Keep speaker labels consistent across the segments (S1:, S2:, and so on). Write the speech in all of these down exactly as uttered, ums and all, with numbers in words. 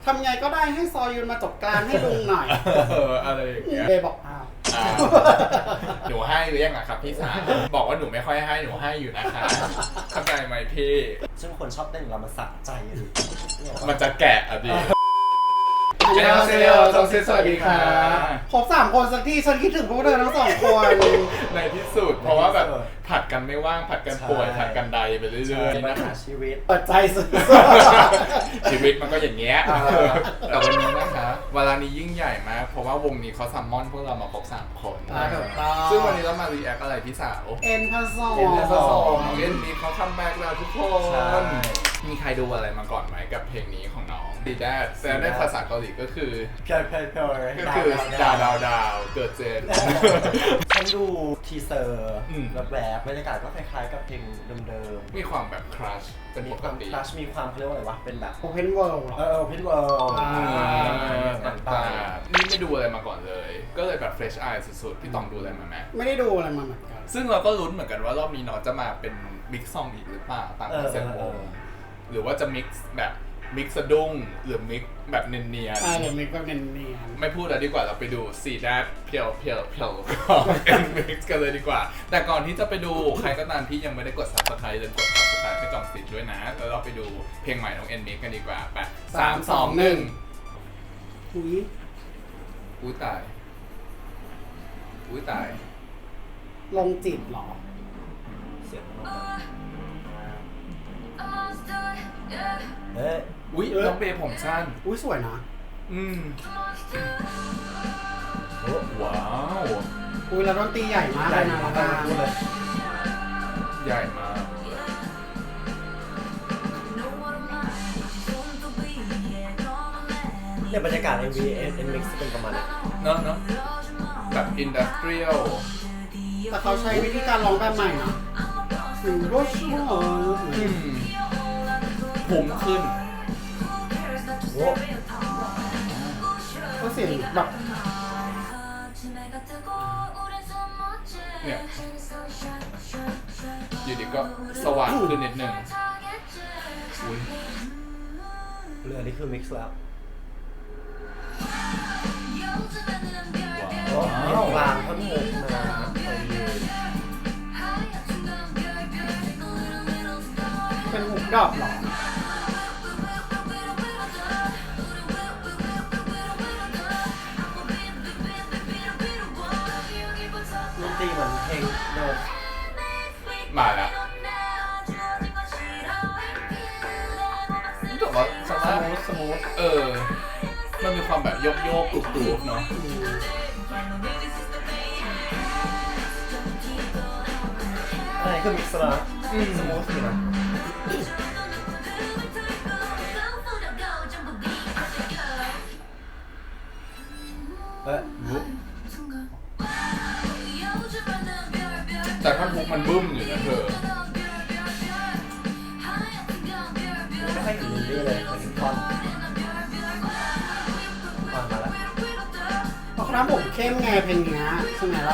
S1: ทำไงก็ได้ให้ซอยุนมาจบกลางให้ลุงหน่อย
S2: เอออะไรอย่างเงี้ย
S1: เบย์บอกอ้าว
S2: หนูให้หรือยังอะครับพี่สาวบอกว่าหนูไม่ค่อยให้หนูให้อยู่นะคะเข้าใจไหมพี่
S3: ซึ่งคนชอบเต้นเรามันสะใจดิ
S2: มันจะแกะอ่ะดิ
S1: เจ้าเซลล์ต้องเซสวัสดีค่ะครบสามคนสักทีฉันคิดถึงพวกเธอทั้งสองคน
S2: ในที่สุดเพราะว่าแบบผัดกันไม่ว่างผัดกันป่วยผัดกันใดไปเรื่อยๆนะคะ
S3: ชีวิต
S1: เปิดใจสุด
S2: ชีวิตมันก็อย่างเงี้ยแต่วันนี้นะคะเวลานี้ยิ่งใหญ่มากเพราะว่าวงนี้เขาซัมมอนพวกเรามาครบสามคนซึ่งวันนี้เรามารีแอคอะไรพี่สาว
S1: เอ็นพัสโซ
S2: เอ็นพัสโซเอ็นนี้เขาคัมแบ็กแล้วทุกคนมีใครดูอะไรมาก่อนไหมกับเพลงนี้ของน้องดีแดดแต่ในภาษาเกาหลีก็คือ
S3: เพียวเพียวเพียว
S2: ก็คือดาวดาวดาวเกิดเจน
S3: ฉันดูทีเซอร์แบบแบบบรรยากาศก็คล้ายๆกับเพลงเดิม
S2: ๆมีความแบบครัชเป็นปกติ
S3: ครัชมีความเขาเรียกว่าอะไรวะเป็นแบบ
S1: Open World
S3: เออ Open World
S2: ต่างๆนี่ไม่ดูอะไรมาก่อนเลยก็เลยแบบ fresh eye สุดๆพี่ต้องดูอะไรมาไหม
S1: ไม่ได้ดูอะไรมาเหมือนกัน
S2: ซึ่งเราก็ลุ้นเหมือนกันว่ารอบนี้น้องจะมาเป็นบิ๊กซองอีกหรือเปล่าตามคอนเซ็ปต์วงหรือว่าจะมิกซ์แบบมิกซ์สะดุ้งหรือมิกซ์แบบเนียนๆ
S1: อ่าหรือมิกซ์แบบเนียน
S2: ๆไม่พูดแล้วดีกว่าเราไปดูซีแดดเพียวเพียวเพียวของเอ็นมิกซ์กันเลยดีกว่าแต่ก่อนที่จะไปดูใครก็ตามที่ยังไม่ได้กด ซับสไครบ์ เลยกด ซับสไครบ์ ให้จอมสิทธิ์ด้วยนะแล้วเราไปดูเพลงใหม่ของเอ็นมิกซ์กันดีกว่าไปสามสองหนึ่ง
S1: อุ้ย
S2: อุ้ยตายอุ้ยตาย
S1: ลงจิตหรอ
S3: เสียงเอ๊ะ
S2: อุ้ยน้องเบย์ผมสั้น
S1: อุ้ยสวยนะ
S2: อืมโอ้ว้าว
S1: อุ้ยแล้วดนตรีใหญ่มากเลยนะ
S3: เลย
S2: ใหญ่มาก
S3: เนี่ยบรรยากาศ เอ็ม วี เอ็น Mix เป็นประมาณนี้
S2: เนาะเนาะแบบอินดัสเทรียล
S1: แต่เขาใช้วิธีการร้องแบบใหม่นะถึงรสชาติ
S2: ผมขึ้น
S3: โอ้
S1: ก็เสียงแบบ
S2: เนี่ยอยู่ดีก็สว่างขึ้นนิดนึงอุ้ย
S3: เรือนี่คือมิกซ์แล้วว้าวกลางเขาโผล่มา
S1: เป็นหุบดอกหรอ
S3: ดนตรีเหมือนเพลงโดน
S2: มาแล้วรู้สึกว่าสมูทสมูทเออมันมีความแบบโยกโยกกรุบกรุบเนาะ
S3: อะไรคือมิกซ์ละสมูทนะเอ๊ะ
S2: แต่ท่อนฮุกมันบึ้มอยู่นะเธอ
S3: ไม่ค่อยเห็นมินดี้เลยเหมือนท่อนท่อนมาแล้ว
S1: เพราะครับผมเข้มไงเพลงนี้ใช่ไหมล่ะ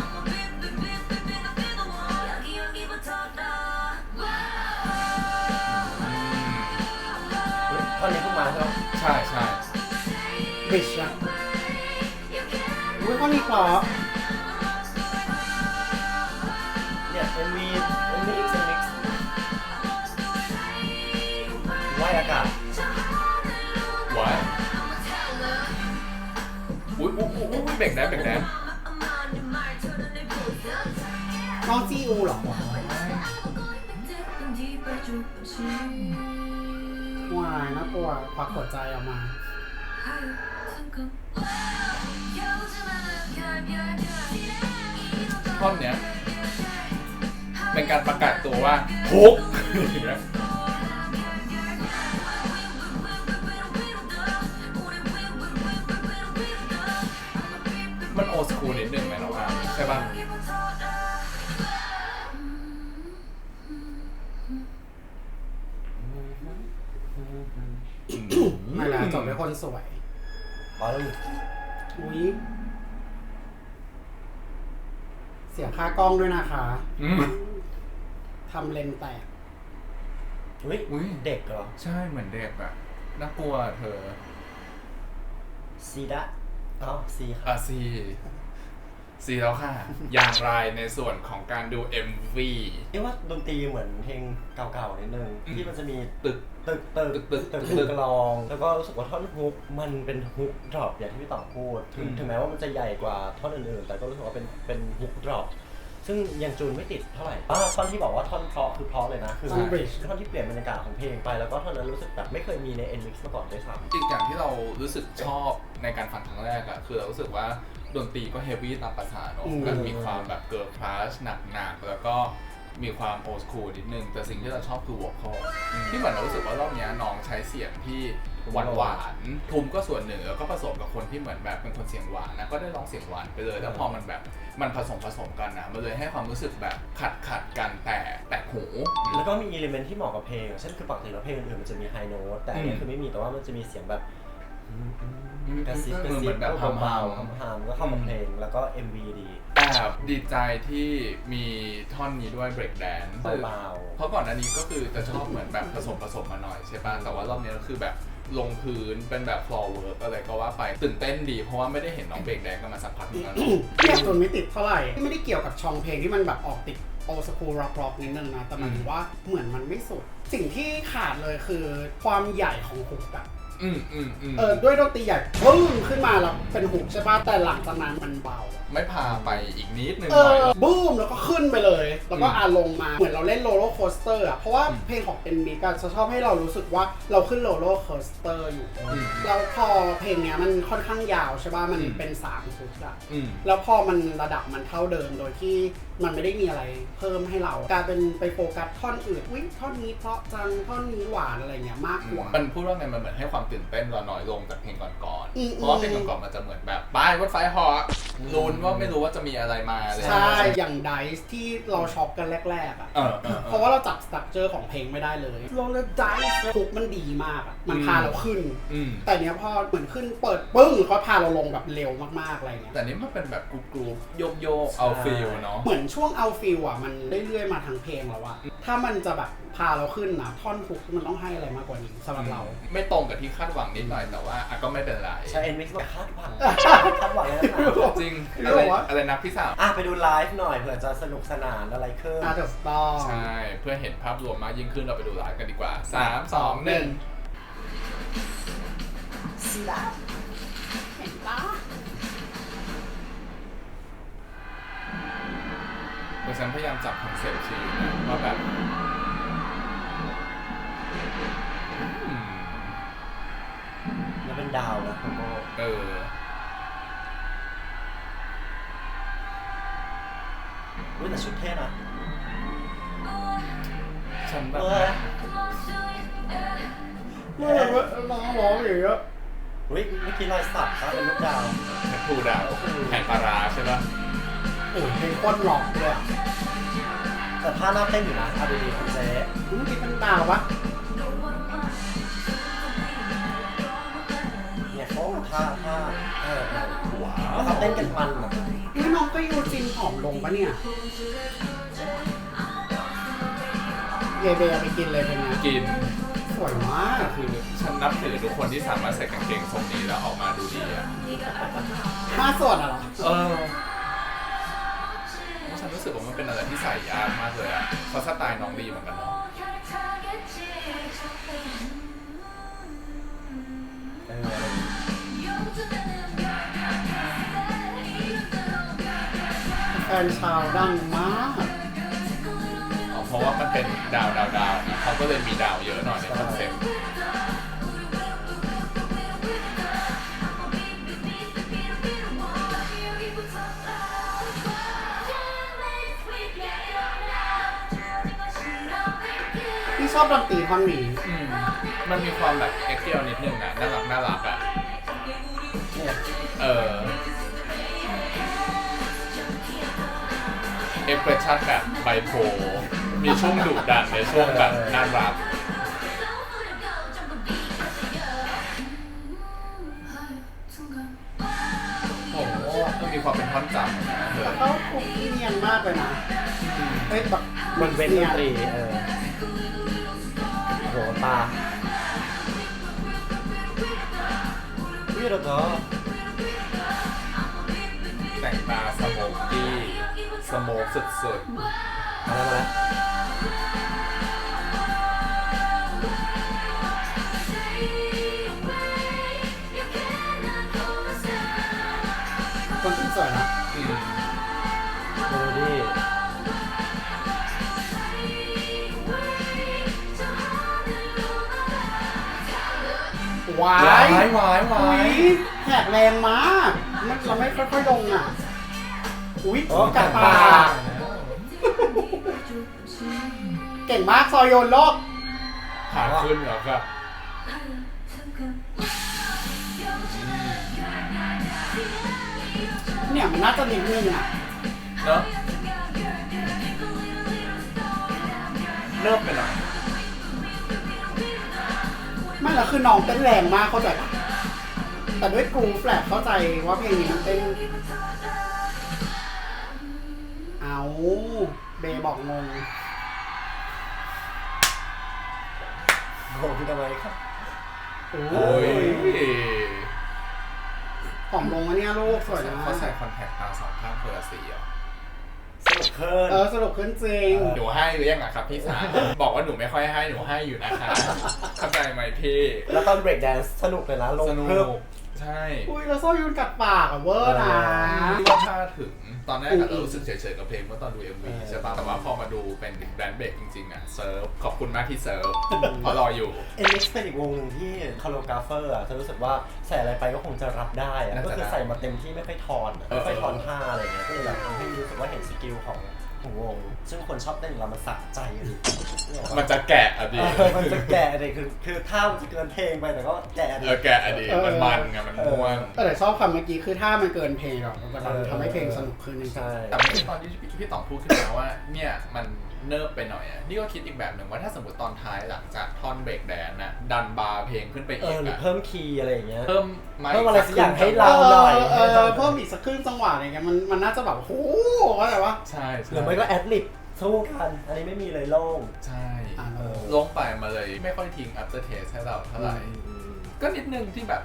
S3: ท่อนนี้เพิ่งมาใช่ไหม
S2: ใช่ใช่
S1: บิชอะอุ้ยท่อนนี้เพราะ
S3: เนี่ย เอ็ม วี เอ็ม วี X Mix ว่ายอากาศ
S2: ว้ายอุ้ยอุ้ยอุ้ยเบรกแดนเบรกแดน
S1: น้องจีอูหรอวายน่ากลัวควักหัวใจออกมา
S2: ท่อนเนี้ยเป็นการประกาศตัวว่าฮุกมันโอสคูลนิดนึงไหมน้องอาร์ใช่ป่ะ
S1: ไม่ละจบด้วยคนสวย
S3: มาแล้ว
S1: อุ้ยเสียค่ากล้องด้วยนะคะทำเลนแตก
S3: อุ้ยเด็กเหรอ
S2: ใช่เหมือนเด็กอะน่ากลัวเธอ
S3: ซีดะอ๋อซีค
S2: อ่ะ
S3: รับ
S2: ซีซีแล้วค่ะ อย่างไรในส่วนของการดู เอ็ม วี
S3: เอ๊ะว่าดนตรีเหมือนเพลงเก่าๆนิดนึง
S2: อืม
S3: ที่มันจะมี
S2: ตึก
S3: ตึกตึก
S2: ตึกตึก
S3: ตึก
S2: ตึก
S3: ตึกกลอง แล้วก็รู้สึกว่าท่อนฮุกมันเป็นฮุกดรอปอย่างที่พี่ต่องพูดถึง
S2: อืม
S3: ถึงแม้ว่ามันจะใหญ่กว่าท่อนอื่นๆ แต่ก็รู้สึกว่าเป็นเป็นฮุกดรอปซึ่งยังจูนไม่ติดเท่าไหร่อ่าท่อนที่บอกว่าท่อนเพราะคือเพราะเลยนะคือ
S1: ท่อน bridge
S3: ท่อนที่เปลี่ยนบรรยากาศของเพลงไปแล้วก็ท่อนนั้นรู้สึกแบบไม่เคยมีใน N-Mix มาก่อนด้วยซ้ำ
S2: อีกอย่างที่เรารู้สึกชอบในการฟังครั้งแรกอะคือเรารู้สึกว่าดนตรีก็เฮฟวี่ตามภาษาเนอะ
S1: อืม
S2: มันมีความแบบเกิร์ลคลาสหนักๆแล้วก็มีความโอ s คูลนิดนึง แต่สิ่งที่เราชอบคือวอ c คอลที่เหมือนเรารู้สึกว่ารอบเนี้ยน้องใช้เสียงที่หวานหวานๆทุ้มก็ส่วนหนึ่งแล้วก็ผสมกับคนที่เหมือนแบบเป็นคนเสียงหวานนะก็ได้ร้องเสียงหวานไปเลยแล้วพอมันแบบมันผสมผสมกันนะมันเลยให้ความรู้สึกแบบขัดขัดๆกันแต่แตกหู
S3: แล้วก็มีอิเลเมนที่เหมาะกับเพลงเช่นคือปกติแล้วเพลงอื่นๆมันจะมีไฮโน้ตแต่อันนี้
S2: อืม
S3: คือไม่มีแต่ว่ามันจะมีเสียงแบบ
S2: อืม
S3: กระซิบกระ
S2: เห
S3: ซิ
S2: มือบ นแบบ
S3: เบา
S2: ฮามๆ
S3: ๆฮามๆก็เข้ากับเพลงแล้วก็ เอ็ม วี ดี
S2: แอบดีใจที่มีท่อนนี้ด้วย break dance
S3: เบา
S2: เพราะก่อนหน้านี้ก็คือจะชอบเหมือนแบบผสมผสมมาหน่อยใช่ป่ะ แต่ว่ารอบนี้ก็คือแบบลงพื้นเป็นแบบ floor work อะไรก็ว่าไปตื่นเต้นดีเพราะว่าไม่ได้เห็นน้องเบรกแดนกันมาสักพักหนึงแล้วเนอะ
S1: เทียบจนไม่ติดเท่าไหร่ไม่ได้เกี่ยวกับช่องเพลงที่มันแบบออกติดโอสคูลร็อกร็อกนิดนึงนะแต่หมันถือว่าเหมือนมันไม่สุด สิ่งที่ขาดเลยคือความใหญ่ของฮุกอะ
S2: อืมอืมอืม
S1: เออด้วยดนตรีใหญ่ปึ้งขึ้นมาแล้วเป็นฮุกใช่ป่ะแต่หลังจากนั้นมันเบาอะ
S2: ไม่พาไปอีกนิดนึง
S1: เอ
S2: หน่อย
S1: อบูมแล้วก็ขึ้นไปเลย แล้วก็
S2: อืม
S1: อาลงมาเหมือนเราเล่นโรลเลอร์โคสเตอร์อ่ะเพราะว่า
S2: อืม
S1: เพลงของ เอ็น บี ก็จะชอบให้เรารู้สึกว่าเราขึ้นโรลเลอร์โคสเตอร์อยู่
S2: อืม
S1: แล้วพอเพลงเนี้ยมันค่อนข้างยาวใช่ป่ะมัน
S2: อืม
S1: เป็นสามชุดอ่ะ
S2: อืม
S1: แล้วพอมันระดับมันเท่าเดิมโดยที่มันไม่ได้มีอะไรเพิ่มให้เรากลายเป็นไปโฟกัสท่อนอื่นอุ้ยท่อนนี้เพราะจังท่อนนี้หวานอะไรเงี้ยมากกว่า
S2: มันพูดว่าไงมันเหมือนให้ความตื่นเต้นเราน้อยลงจากเพลงก่อน
S1: อืม
S2: ๆ เพราะว่าเพลงก่อนๆมันจะเหมือนแบบป้ายรถไฟเหอลุ้นว่าไม่รู้ว่าจะมีอะไรมาเลย
S1: ใช่ อย่างไดซ์ที่เราช็อปกันแรกๆอ่ะ
S2: เออเออเอ
S1: เพ
S2: อ
S1: ราะว่าเราจับสตรัคเจอร์ของเพลงไม่ได้เลยโรลเลอร์ไดซ์ทุกมันดีมากอ่ะ มันพาเราขึ้น
S2: อืม
S1: แต่เนี้ยพอเหมือนขึ้นเปิดปึ้งเขาพาเราลงแบบเร็วมากๆอะไรเงี้ย
S2: แต่นี่มันเป็นแบบกรูปๆโยกโยกๆเอาฟิลเนาะ
S1: เหมือนช่วงเอาฟิลอ่ะมันเรื่อยๆมาทั้งเพลงแล้วอะถ้ามันจะแบบพาเราขึ้นนะท่อนฮุกมันต้องให้อะไรมากกว่านี้สำหรับเรา
S2: ไม่ตรงกับที่คาดหวังนิดหน่อยแต่ว่าอ่ะก็ไม่เป็นไร
S3: ๆใช่ N-Mix บอกคาดหวังคาดหวังเลยนะ
S2: จริง
S1: ไม่
S2: อะไร
S1: รู้ว่า
S2: อะไรนะพี่สาว
S3: อ่ะไปดูไลฟ์หน่อยเผื่อจะสนุกสนานอะไรขึ้น
S1: อาร์ตสตอร์
S2: ใช่ เพื่อเห็นภาพรวมมากยิ่งขึ้นเราไปดูไลฟ์กันดีกว่า สาม สอง หนึ่ง
S3: ซีดะ
S1: เห็นปะ
S2: คือฉันพยายามจับคอนเซ็ปต์ชีวิตนะว่าแบบอืม
S3: แล้วเป็นดาวนะโคโม
S2: เออ
S3: อุ้ยแต่ชุดเท่นะ
S2: ฉันแบบ
S3: เออ
S1: เมื่อร้องร้องอย่างเงี้ย
S3: อุ้ยเมื่อกี้รอยสักครับเป็นลูกดาว
S2: แททูดาวแห่งปลาร้าใช่ปะ
S1: โอ้ยเพลงโคตรหลอกเลยอะ
S3: แต่ท่าน่าเต้นอยู่นะเอาดีๆคุณเจ๊
S1: เมื่อกี้เป็นดาวปะ
S3: เนี่ยเขาท่าท่าเออเออ
S2: ว้า
S3: แล้วเขาเต้นกันมันแบบ
S1: นี่น้องก็ยูจินผอมลงปะเนี่ยเยเบเอาไปกินเลยเป็นไง
S2: กิน
S1: สวยมาก
S2: คือฉันนับถือทุกคนที่สามารถใส่กางเกงทรงนี้แล้วออกมาดูดีอ่ะ
S1: ห้าส่วนอะเหรอ
S2: เออฉันรู้สึกว่ามันเป็นอะไรที่ใส่ยากมากเลยอ่ะเพราะสไตล์น้องดีเหมือนกันเนาะ
S3: เอออะไรอย่างเงี้ย
S1: แฟนชาวดังมาก
S2: อ๋อเพราะว่ามันเป็นดาวดาวดาวเขาก็เลยมีดาวเยอะหน่อยในคอนเซ็ปต์
S1: พี่ชอบดนตรีท่อนนี้
S2: อืมมันมีความแบบเอ็กเซียลนิดนึงอ่ะน่ารักน่ารักอ่ะ
S3: เนี่ย
S2: เออเอ็กเพรสชั่นแบบไบโพลมีช่วงดุดันในช่วงแบบน่ารัก
S1: โอ้โห
S2: มันมีความเป็นท่อนจำนะเธอ
S1: แล้วก็คุกกี้เนียนมากเลยนะเฮ้ยแบบ
S3: มันเว้นดนตรีเออโหตาวิโรจน์
S2: แต่งตาสโมกกี้สโมกสุด
S3: มาแล้วมาแล้ว
S1: คนสวยนะ
S2: ๆอืม
S3: เมโลดี้
S1: ว้า
S2: หวาย
S1: ย
S2: หวายหวา
S1: อุ้
S2: ย
S1: ยแหกแรงมากมันเราไม่ค่อยๆลงอ่ะ อุ้ยกัดปากเก่งมากซอยโยนโลก
S2: ขาขึ้นเหรอครับ
S1: เนี่ยมันน่าจะนิดนึงอ่ะ
S2: เนอะเริ่มไปหน่อย
S1: ไม่แล้วคือน้องเต้นแรงมากเข้าใจปะแต่ด้วยกรูฟแฟลกเข้าใจว่าเพลงนี้มันเต้น เอาเบย์บอกงง
S3: โอ้พี่ทำไมครับ
S1: โอ้
S2: โอ้ย
S1: ผอมลงอันเนี้ยลูกสวยนะ
S2: เขาใส่คอนแทคตาสองข้างคนละสีเหรอ
S3: สนุกเคิน
S1: เออสรุปขึ้นจริง
S2: หนูให้หรือยังอะครับพี่สาวบอกว่าหนูไม่ค่อยให้หนูให้อยู่นะคะเข้าใจไหมพี่
S3: แล้วตอนเบรกแดนซ์สนุกเลยนะลง
S2: สนุ
S3: เพิ่ม
S2: กใช่
S1: อุ้ยแล้วโซ่ยุนกัดปากอะเวอร์นะ
S2: ที่ว่าถ้าถึงตอนแรกอะ
S1: อืม
S2: เรารู้สึกเฉยๆกับเพลงเมื่อตอนดู เอ็ม วี
S3: เออ
S2: ใช่ป่ะแต่ว่าพอมาดูเป็นแบรนด์เบรกจริงๆอะเซิร์ฟขอบคุณมากที่เซิร์ฟเพราะรออยู่
S3: เอ็นเอ็กซ์เป็นอีกวงหนึ่งที่คาร์โลกราฟเฟอร์อ่ะจะรู้สึกว่าใส่อะไรไปก็คงจะรับได้อะ
S2: น่าจะ
S3: ก็คือใส่มาเต็มที่ไม่ค่อยทอนอะ
S2: เออ
S3: ไม่ค่อยทอนท่าอะไรเงี้ยก็เลยแบบทำให้รู้สึกว่าเห็นสกิลของของวง ซึ่งคนชอบเต้นเรามันสะใจดิ
S2: มันจะแกะอะดิ
S3: เออมันจะแกะเลยคือคือท่ามันจะเกินเพลงไปแต่ก็แกะดิ
S2: เออแกะอะดิมันมันไงมันม่วน
S1: แต่ชอบคำเมื่อกี้คือถ้ามันเกินเพลงหรอกมันจะทำให้เพลงสนุกขึ้นจริง
S3: ใช่
S2: แต่ไม่ใช่ตอนที่พี่ต๋องพูดขึ้นมาว่าเนี่ยมันเนิบไปหน่อยอ่ะนี่ก็คิดอีกแบบหนึ่งว่าถ้าสมมติตอนท้ายหลังจากท่อนเบรกแดนน่ะดันบาร์เพลงขึ้นไป
S3: เอ
S2: อีก
S3: อหรือ
S2: อ่ะ
S3: เพิ่มคีย์อะไรอย่างเงี้ย
S2: เพิ่มไ
S3: เพิ่มอะไรสักอย่างให้
S1: ๆ
S3: เรา หน่อย
S1: เออเพิ่มอีกสักครึ่งจังหวะอะไรเงี้ยมันมันน่าจะแบบโอ้โหว่าแต่ว่า
S2: ใช่ใช่
S3: หรือไม่ก็แอดลิปสู้กัน อันนี้ไม่มีเลยโล่ง
S2: ใช่
S1: อ่า
S3: เออ
S2: ลงไปมาเลยไม่ค่อยทิ้ง after taste ให้เราเท่าไหร่
S3: อืม
S2: ก็นิดนึงที่แบบ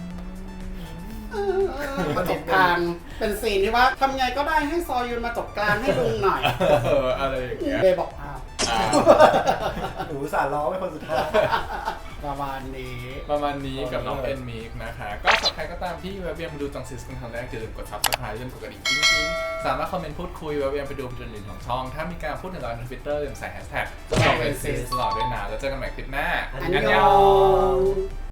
S1: ประจบกลางเป็นซีนที่ว่าทำไงก็ได้ให้ซอยุนมาจบกลางให้ลุงหน่อย
S2: เอออะไรอย่างเงี้ย
S1: เบย์บอกอ้าว
S2: อ่า
S3: หนูอุตสารร้องเป็นคนสุดท้าย
S1: ประมาณนี้
S2: ประมาณนี้กับน้อง
S3: เอ
S2: เอ็
S3: อ
S2: นมิกนะคะ ก็สับใครก็ตามที่แวะเวียนมาดูจังซิสเป็นครั้งแรกอย่าลืมกด subscribe อย่าลืมกดกระดิ่งจริงๆสามารถคอมเมนต์พูดคุยแวะเวียนไปดูจุดอื่นของช่อง ถ้ามีการพูดถึงเราในทวิตเตอร์อย่าลืมใส่แฮชแท็กตลอดเป็นซิสตลอดด้วยนะแล้วเจอกันใหม่คลิปหน้า
S1: อันยอง